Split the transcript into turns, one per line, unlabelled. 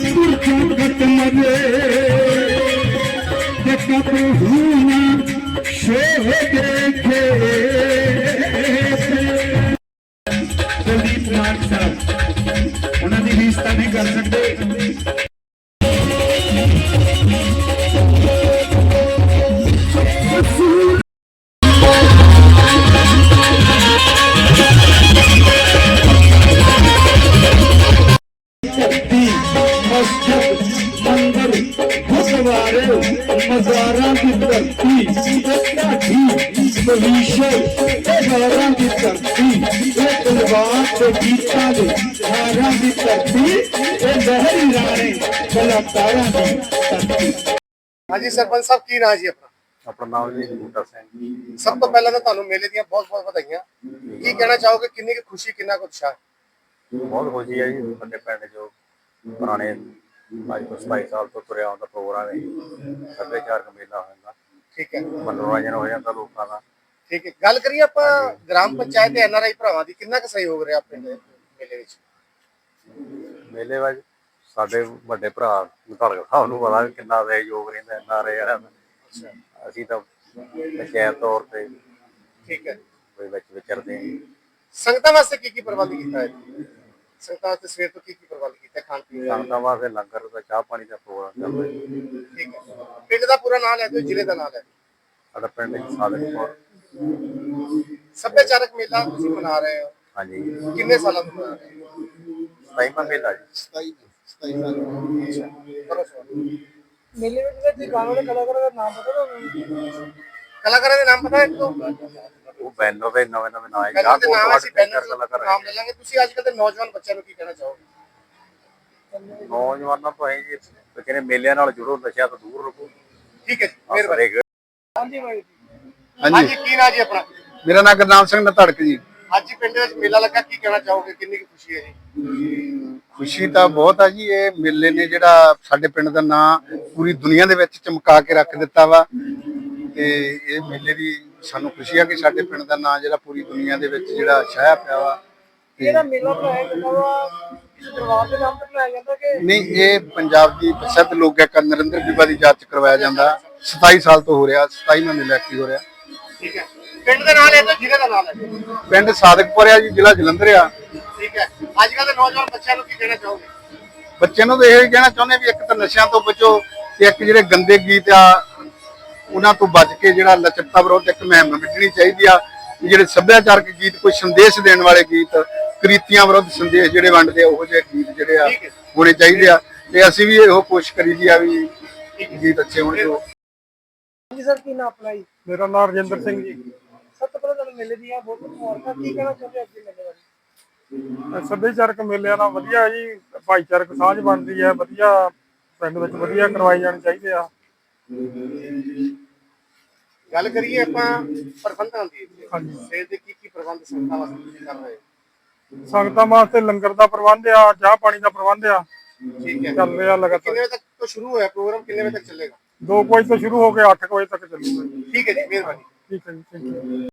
ਕੁਲਦੀਪ ਮਾਨ ਸਾਹਿਬ ਉਹਨਾਂ ਦੀ ਰੀਸ ਤਾਂ ਨਹੀਂ ਕਰ ਸਕਦੇ। मजारा की धरती भविष्य मजारा की धरती तलवार से गीता दे हारा की धरती लहरी राणे कलाकारा की धरती।
हाँ जी सरपंच साहब की नाम जी
अपना नाम जी बूटा सिंह।
सब तो पहले तो ਤੁਹਾਨੂੰ ਮੇਲੇ ਦੀਆਂ ਬਹੁਤ ਵਧਾਈਆਂ। ਕੀ ਕਹਿਣਾ ਚਾਹੋਗੇ ਕਿੰਨੀ ਕੁ ਖੁਸ਼ੀ ਕਿੰਨਾ ਕੁ ਉਤਸ਼ਾਹ?
ਬਹੁਤ ਖੁਸ਼ੀ ਹੈ ਜੀ ਸਾਡੇ ਪਿੰਡ ਜੋ ਪੁਰਾਣੇ ਅੱਜ ਤੋਂ 27 ਸਾਲ ਤੋਂ ਤੁਰਿਆ ਆਉਂਦਾ ਪ੍ਰੋਗਰਾਮ ਹੈ ਸੱਭਿਆਚਾਰਕ ਮੇਲਾ ਹੁੰਦਾ।
ਠੀਕ ਹੈ
ਮਨੋਰੰਜਨ ਹੋ ਜਾਂਦਾ ਲੋਕਾਂ ਦਾ।
ਠੀਕ ਹੈ ਗੱਲ ਕਰੀਏ ਆਪਾਂ ਗ੍ਰਾਮ ਪੰਚਾਇਤ ਤੇ ਐਨਆਰਆਈ ਭਰਾਵਾਂ ਦੀ ਕਿੰਨਾ ਕੁ ਸਹਿਯੋਗ ਰਿਹਾ ਪਿੰਡ ਮੇਲੇ ਵਿੱਚ? ਮੇਲੇ
ਵਿੱਚ ਸਾਡੇ ਵੱਡੇ ਭਰਾ ਧੜਕ ਸਾਹਿਬ ਨੂੰ ਪਤਾ ਕਿੰਨਾ ਸਹਿਯੋਗ ਰਹਿੰਦਾ ਐਨਆਰਆਈ ਵਾਲਿਆਂ ਦਾ। ਅਸੀਂ ਤਾਂ ਪੰਚਾਇਤ ਤੌਰ ਤੇ
ਠੀਕ ਹੈ
ਵਿੱਚ ਵਿਚਰਦੇ ਹਾਂ।
ਸੰਗਤਾਂ ਵਾਸਤੇ ਕੀ ਪ੍ਰਬੰਧ ਕੀਤਾ ਹੈ? ਸੰਗਤਾਂ ਵਾਸਤੇ ਸਵੇਰ ਤੋਂ ਕੀ ਪ੍ਰਬੰਧ ਕੀਤਾ ਖਾਣ ਪੀਣ ਦਾ?
ਸੰਗਤਾਂ ਵਾਸਤੇ ਲੰਗਰ ਦਾ ਚਾਹ ਪਾਣੀ ਦਾ ਪ੍ਰੋਗਰਾਮ ਚੱਲਦਾ ਹੈ।
ਠੀਕ ਹੈ ਪਿੰਡ ਦਾ ਪੂਰਾ ਨਾਮ ਲੈ ਦਿਓ, ਜ਼ਿਲ੍ਹੇ ਦਾ ਨਾਮ ਲੈ ਦਿਓ।
ਸਾਡਾ ਪਿੰਡ ਸਾਦਕਪੁਰ।
ਸੱਭਿਆਚਾਰਕ ਮੇਲਾ ਤੁਸੀਂ ਮਨਾ ਰਹੇ ਹੋ?
ਹਾਂਜੀ।
ਕਿੰਨੇ ਸਾਲਾਂ ਤੋਂ ਮਨਾ ਰਹੇ ਹੋ?
27ਵਾਂ ਮੇਲਾ ਜੀ।
27 ਸਾਲ। ਮੇਲੇ ਵਿੱਚ ਤੇ ਗਾਣੇ ਦੇ ਕਲਾਕਾਰਾਂ ਦਾ ਨਾਮ ਪਤਾ ਤੁਹਾਨੂੰ? ਕਲਾਕਾਰਾਂ ਦੇ ਨਾਮ ਪਤਾ ਹੈ ਤੁਹਾਨੂੰ?
ਉਹ ਬੈਨਰ ਦੇ ਨਵੇਂ ਨਾਮ ਹੈ।
ਨਾਮ ਲੈ ਲਾਂਗੇ। ਤੁਸੀਂ ਅੱਜ ਕੱਲ ਦੇ ਨੌਜਵਾਨ ਬੱਚਿਆਂ ਨੂੰ ਕੀ ਕਹਿਣਾ ਚਾਹੋਗੇ?
ਨੌਜਵਾਨਾਂ ਤੋਂ ਇਹ ਜੀ ਕਹਿੰਦੇ ਮੇਲਿਆਂ ਨਾਲ ਜੁੜੋ, ਨਸ਼ਿਆਂ ਤੋਂ ਦੂਰ ਰਹੋ।
ਠੀਕ ਹੈ ਜੀ ਮਿਹਰਬਾਨੀ।
ਹਾਂਜੀ ਭਾਈ
ਹਾਂਜੀ ਕੀ ਨਾਮ ਜੀ ਆਪਣਾ?
ਮੇਰਾ ਨਾਮ ਗੁਰਨਾਮ ਸਿੰਘ ਨਧੜਕ ਜੀ।
ਅੱਜ ਪਿੰਡ ਵਿੱਚ ਮੇਲਾ ਲੱਗਾ, ਕੀ ਕਹਿਣਾ ਚਾਹੋਗੇ ਕਿੰਨੀ ਕੁ ਖੁਸ਼ੀ ਹੈ ਜੀ?
ਖੁਸ਼ੀ ਤਾਂ ਬਹੁਤ ਆ ਜੀ। ਇਹ ਮੇਲੇ ਨੇ ਜਿਹੜਾ ਸਾਡੇ ਪਿੰਡ ਦਾ ਨਾਂ ਪੂਰੀ ਦੁਨੀਆ ਦੇ ਵਿੱਚ ਚਮਕਾ ਕੇ ਰੱਖ ਦਿੱਤਾ ਵਾ ਤੇ ਇਹ ਮੇਲੇ ਦੀ ਸਾਨੂੰ ਖੁਸ਼ੀ ਆ ਕਿ ਸਾਡੇ ਪਿੰਡ ਦਾ ਨਾਂ ਜਿਹੜਾ ਪੂਰੀ ਦੁਨੀਆ ਦੇ ਵਿੱਚ ਜਿਹੜਾ ਛਾਇਆ ਪਿਆ ਵਾ।
ਜਿਹੜਾ ਮੇਲਾ ਬਣਾਇਆ ਜਾਂਦਾ ਵਾ ਕਿਸੇ ਦਰਬਾਰ ਦੇ ਨਾਮ ਤੇ ਬਣਾਇਆ ਜਾਂਦਾ ਕਿ
ਨਹੀਂ? ਇਹ ਪੰਜਾਬ ਦੀ ਪ੍ਰਸਿੱਧ ਲੋਕ ਗਾਇਕ ਨਰਿੰਦਰ ਬੀਬਾ ਦੀ ਯਾਦ ਚ ਕਰਵਾਇਆ ਜਾਂਦਾ। 27 ਸਾਲ ਤੋਂ ਹੋ ਰਿਹਾ, 27ਵਾਂ ਮੇਲਾ ਕੀ ਹੋ ਰਿਹਾ।
ਠੀਕ ਹੈ ਪਿੰਡ ਦਾ ਨਾਮ ਲੈ ਦਿਓ, ਜ਼ਿਲ੍ਹੇ ਦਾ ਨਾਮ ਲੈ ਦਿਓ।
ਪਿੰਡ ਸਾਦਕਪੁਰ ਆ ਜੀ, ਜ਼ਿਲ੍ਹਾ ਜਲੰਧਰ ਆ।
ਠੀਕ ਹੈ ਅੱਜ ਕੱਲ ਦੇ ਨੌਜਵਾਨ ਬੱਚਿਆਂ ਨੂੰ ਕੀ ਕਹਿਣਾ ਚਾਹੋਗੇ?
ਬੱਚਿਆਂ ਨੂੰ ਤਾਂ ਇਹ ਕਹਿਣਾ ਚਾਹੁੰਦੇ ਵੀ ਇੱਕ ਤਾਂ ਨਸ਼ਿਆਂ ਤੋਂ ਬਚੋ ਤੇ ਇੱਕ ਜਿਹੜੇ ਗੰਦੇ ਗੀਤ ਆ ਉਹਨਾਂ ਤੋਂ ਬਚ ਕੇ ਜਿਹੜਾ ਲਚਕਤਾ ਵਿਰੋਧ ਇੱਕ ਮੁਹਿੰਮ ਵਿੱਢਣੀ ਚਾਹੀਦੀ ਆ। ਜਿਹੜੇ ਸੱਭਿਆਚਾਰਕ ਗੀਤ ਕੋਈ ਸੰਦੇਸ਼ ਦੇਣ ਵਾਲੇ ਗੀਤ, ਕ੍ਰਿਤੀਆਂ ਵਿਰੁੱਧ ਸੰਦੇਸ਼ ਜਿਹੜੇ ਵੰਡਦੇ ਆ ਉਹੋ ਜਿਹੇ ਗੀਤ ਜਿਹੜੇ ਆ ਹੋਣੇ ਚਾਹੀਦੇ ਆ ਤੇ ਅਸੀਂ ਵੀ ਇਹੋ ਕੋਸ਼ਿਸ਼ ਕਰੀ ਦੀ ਆ ਵੀ ਗੀਤ ਅੱਛੇ ਹੋਣ।
ਹਾਂਜੀ ਸਰ ਕੀ ਨਾਮ ਆਪਣਾ ਜੀ?
ਮੇਰਾ ਨਾਮ ਰਜਿੰਦਰ ਸਿੰਘ ਜੀ।
ਸਭ ਤੋਂ ਪਹਿਲਾਂ ਤੁਹਾਨੂੰ ਮੇਲੇ ਦੀਆਂ ਬਹੁਤ ਬਹੁਤ ਮੁਬਾਰਕਾਂ। ਕੀ ਕਹਿਣਾ ਚਾਹੁੰਦੇ ਅੱਜ ਦੇ ਮੇਲੇ ਬਾਰੇ?
ਸੱਭਿਆਚਾਰਕ ਮੇਲਿਆਂ ਨਾਲ ਵਧੀਆ ਜੀ, ਭਾਈਚਾਰਕ ਸਾਂਝ ਬਣਦੀ ਹੈ, ਵਧੀਆ ਪਿੰਡ ਵਿੱਚ ਵਧੀਆ ਕਰਵਾਈ ਜਾਣੀ ਚਾਹੀਦੇ ਆ।
ਗੱਲ ਕਰੀਏ ਆਪਾਂ ਪ੍ਰਬੰਧਾਂ ਦੀ।
ਹਾਂਜੀ
ਸਵੇਰ ਦੇ ਕੀ ਪ੍ਰਬੰਧ ਸੰਗਤਾਂ ਵਾਸਤੇ ਤੁਸੀਂ ਕਰ ਰਹੇ ਹੋ?
ਸੰਗਤਾਂ ਵਾਸਤੇ ਲੰਗਰ ਦਾ ਪ੍ਰਬੰਧ ਆ, ਚਾਹ ਪਾਣੀ ਦਾ ਪ੍ਰਬੰਧ ਆ।
ਠੀਕ ਹੈ
ਚੱਲ ਰਿਹਾ ਲਗਾਤਾਰ।
ਕਿੰਨੇ ਵਜੇ ਤੱਕ ਤੋਂ ਸ਼ੁਰੂ ਹੋਇਆ ਪ੍ਰੋਗਰਾਮ, ਕਿੰਨੇ ਵਜੇ ਤੱਕ ਚੱਲੇਗਾ?
2 ਵਜੇ ਤੋਂ ਸ਼ੁਰੂ ਹੋ ਕੇ 8 ਵਜੇ ਤੱਕ ਚੱਲੂਗਾ।
ਠੀਕ ਹੈ ਜੀ ਮਿਹਰਬਾਨੀ।
ਠੀਕ ਹੈ ਜੀ, ਥੈਂਕ ਯੂ।